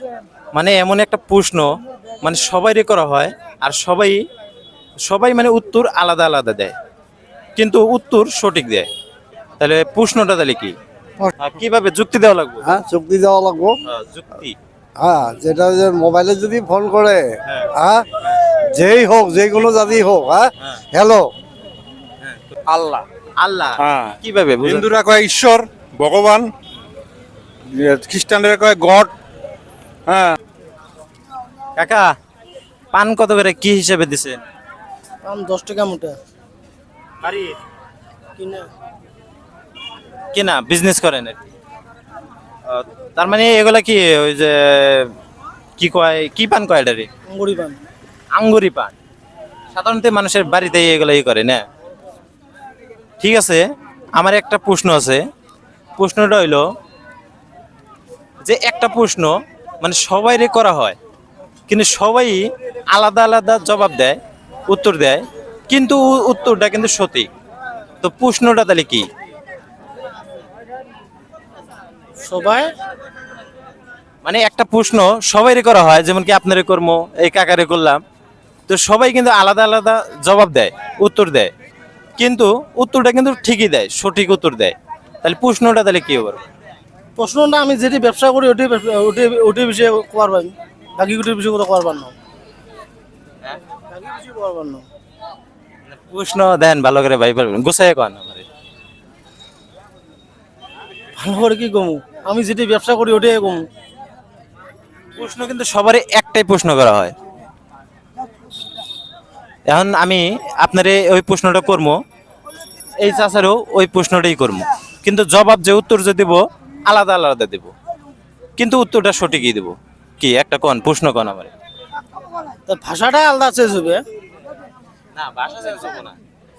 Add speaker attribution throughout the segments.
Speaker 1: মানে এমন একটা প্রশ্ন, মানে সবাইরই করা হয়, আর সবাই সবাই মানে উত্তর আলাদা আলাদা দেয়, কিন্তু উত্তর সঠিক দেয়। তাহলে প্রশ্নটা তাহলে কি? কিভাবে যুক্তি দেওয়া লাগবে?
Speaker 2: হ্যাঁ, চুক্তি দেওয়া লাগবো।
Speaker 1: যুক্তি।
Speaker 2: হ্যাঁ, যেটা যে মোবাইলে যদি ফোন করে,
Speaker 1: হ্যাঁ।
Speaker 2: হ্যাঁ, যেই হোক, যে কোনো জাতি হোক, হ্যাঁ,
Speaker 1: হ্যাঁ।
Speaker 2: হ্যালো।
Speaker 3: আল্লাহ।
Speaker 1: আল্লাহ।
Speaker 3: হ্যাঁ।
Speaker 1: কিভাবে বুঝান?
Speaker 3: হিন্দুরা কয় ঈশ্বর, ভগবান। খ্রিস্টানরা কয় গড। হ্যাঁ।
Speaker 1: কাকা, পান কত করে কি হিসেবে দিছেন?
Speaker 4: পান 10 টাকা মোটা
Speaker 1: বাড়ি
Speaker 4: কিনা।
Speaker 1: কিনা বিজনেস করেন আর কি। তার মানে এগুলা কি ওই যে কি কয়, কি পান কয় এটারে?
Speaker 4: আঙ্গুরি পান।
Speaker 1: আঙ্গুরি পান। সাধারণত মানুষের বাড়িতে এগুলো করে না। ঠিক আছে, আমার একটা প্রশ্ন আছে। প্রশ্নটা হইলো যে একটা প্রশ্ন মানে সবাইরে করা হয়, কিন্তু সবাই আলাদা আলাদা জবাব দেয়, উত্তর দেয়, কিন্তু উত্তরটা কিন্তু সঠিক। তো প্রশ্নটা তাহলে কি?
Speaker 4: সবাই
Speaker 1: মানে একটা প্রশ্ন সবাইরে করা হয়, যেমন কি আপনারে কর্ম, এই কাকারে করলাম, তো সবাই কিন্তু আলাদা আলাদা জবাব দেয়, উত্তর দেয়, কিন্তু উত্তরটা কিন্তু ঠিকই দেয়, সঠিক উত্তর দেয়। তাহলে প্রশ্নটা তাহলে কি হবে?
Speaker 4: প্রশ্নটা আমি যেটি ব্যবসা করি ওটি বিষয়ে কোয়ার পাই, বাকি গুটির বিষয়ে কথা কোয়ার পার না। বাকি বিষয়ে কোয়ার পার না।
Speaker 1: প্রশ্ন দেন ভালো করে ভাই, পারবেন গোছায় কন আমারে।
Speaker 4: ভালো করে কি কমু, আমি যেটি ব্যবসা করি ওটাই কমু।
Speaker 1: প্রশ্ন কিন্তু সবারই একটাই প্রশ্ন করা হয়। এখন আমি আপনারে ওই প্রশ্নটা করবো, এই চাচারও ওই প্রশ্নটাই করবো, কিন্তু জবাব যে উত্তর যে দিব আলাদা আলাদা দেব, কিন্তু উত্তরটা সঠিকই দেব। কি একটা কন, প্রশ্ন কন আমারে।
Speaker 4: তার ভাষাটাই আলাদা চেঞ্জ হবে।
Speaker 1: না, ভাষা চেঞ্জ হবে না।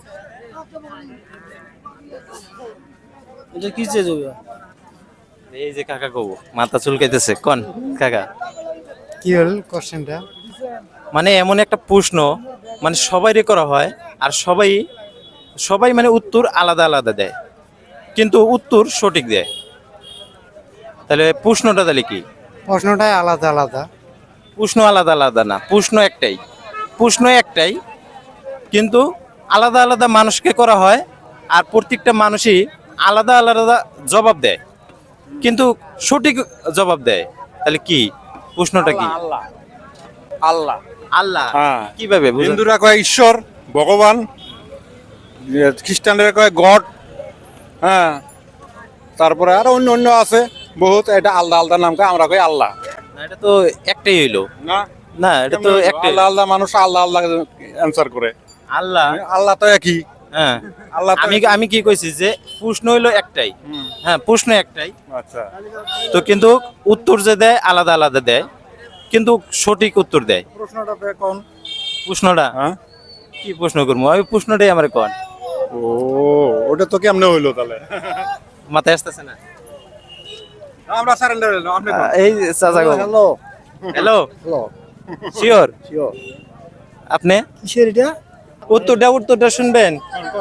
Speaker 4: এটা কি চেঞ্জ হবে?
Speaker 1: এই যে কাকা কব, মাথা চুলকাইতেছে, কন কাকা।
Speaker 2: কি হল কোশ্চেনটা?
Speaker 1: মানে এমন একটা প্রশ্ন, মানে সবাইরই করা হয়, আর সবাই সবাই মানে উত্তর আলাদা আলাদা দেয়, কিন্তু উত্তর সঠিক দেয়। তাহলে প্রশ্নটা তাহলে কি?
Speaker 2: প্রশ্নটাই আলাদা আলাদা।
Speaker 1: প্রশ্ন আলাদা আলাদা না, প্রশ্ন একটাই। প্রশ্ন একটাই, কিন্তু আলাদা আলাদা মানুষকে করা হয়, আর প্রত্যেকটা মানুষই আলাদা আলাদা জবাব দেয়, কিন্তু সঠিক জবাব দেয়। তাহলে কি প্রশ্নটা কি?
Speaker 3: আল্লাহ। আল্লাহ।
Speaker 1: আল্লাহ।
Speaker 3: হ্যাঁ।
Speaker 1: কিভাবে বুঝান?
Speaker 3: হিন্দুরা কয় ঈশ্বর, ভগবান। খ্রিস্টানরা কয় গড। হ্যাঁ। তারপরে আরো অন্য অন্য আছে বহুত, এটা আলাদা আলাদা নাম কয়, আমরা কই আল্লাহ।
Speaker 1: না, এটা তো একটাই হইলো।
Speaker 3: না,
Speaker 1: না, এটা তো একটাই।
Speaker 3: আল্লাহ আল্লাহ মানুষ আল্লাহ আল্লাহ অ্যান্সার করে।
Speaker 1: আল্লাহ।
Speaker 3: আল্লাহ তো একই।
Speaker 1: হ্যাঁ,
Speaker 3: আল্লাহ তো
Speaker 1: আমি আমি কি কইছি যে প্রশ্ন হইলো একটাই।
Speaker 3: হুম।
Speaker 1: হ্যাঁ, প্রশ্ন একটাই,
Speaker 3: আচ্ছা।
Speaker 1: তো কিন্তু উত্তর যে দেয় আলাদা আলাদা দেয়, কিন্তু সঠিক উত্তর দেয়।
Speaker 3: প্রশ্নটা কোন?
Speaker 1: প্রশ্নটা
Speaker 3: হ্যাঁ।
Speaker 1: কি প্রশ্ন করবো? ওই প্রশ্নটাই আমার কন,
Speaker 3: ও, ওটা তো কেমনে হইলো তাহলে?
Speaker 1: মাথায় আসতেছে না।
Speaker 3: আমরা সারেন্ডার হইলো, আপনি কোন?
Speaker 1: এই চাচা গো।
Speaker 2: Hello.
Speaker 1: Hello,
Speaker 2: hello.
Speaker 1: Sure
Speaker 2: sure.
Speaker 1: আপনি
Speaker 4: কিসের এটা?
Speaker 1: উত্তরটা শুনবেন।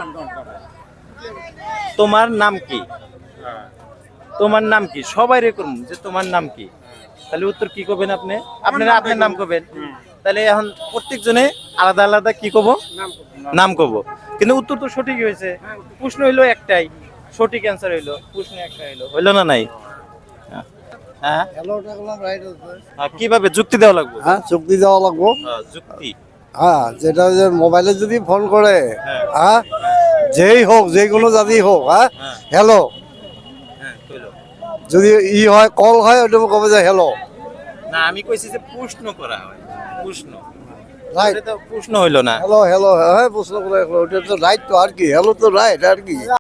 Speaker 1: তোমার নাম কি? তোমার নাম কি? সবাই রেকর্ড যে তোমার নাম কি, তাহলে উত্তর কি করবেন আপনি? আপনারা আপনার নাম করবেন। তাহলে এখন প্রত্যেকজনে আলাদা আলাদা কি কব? নাম কব, কিন্তু উত্তর তো সঠিক হয়েছে। প্রশ্ন হইলো একটাই, সঠিক অ্যান্সার হইলো, প্রশ্ন একটা হইলো না নাই? হ্যাঁ,
Speaker 2: হ্যালোটা বললাম, রাইট আছে।
Speaker 1: কিভাবে যুক্তি দেওয়া লাগবে?
Speaker 2: হ্যাঁ, চুক্তি দেওয়া লাগবো।
Speaker 1: যুক্তি।
Speaker 2: হ্যাঁ, যেটা যে মোবাইলে যদি ফোন করে,
Speaker 1: হ্যাঁ।
Speaker 2: হ্যাঁ, যেই হোক, যে কোনো জাতি হোক, হ্যাঁ,
Speaker 1: হ্যাঁ।
Speaker 2: হ্যালো।
Speaker 1: হ্যাঁ, কইলো।
Speaker 2: যদি হয়, কল হয়, ওটা কবে যে হ্যালো।
Speaker 1: না, আমি কইছি যে প্রশ্ন করা হয়, প্রশ্ন।
Speaker 2: রাইট।
Speaker 1: এটা তো প্রশ্ন হইলো না।
Speaker 2: হ্যালো হ্যালো, হ্যাঁ, প্রশ্ন করে ওটা তো রাইট, তো আর কি, হ্যালো তো রাইট আর কি।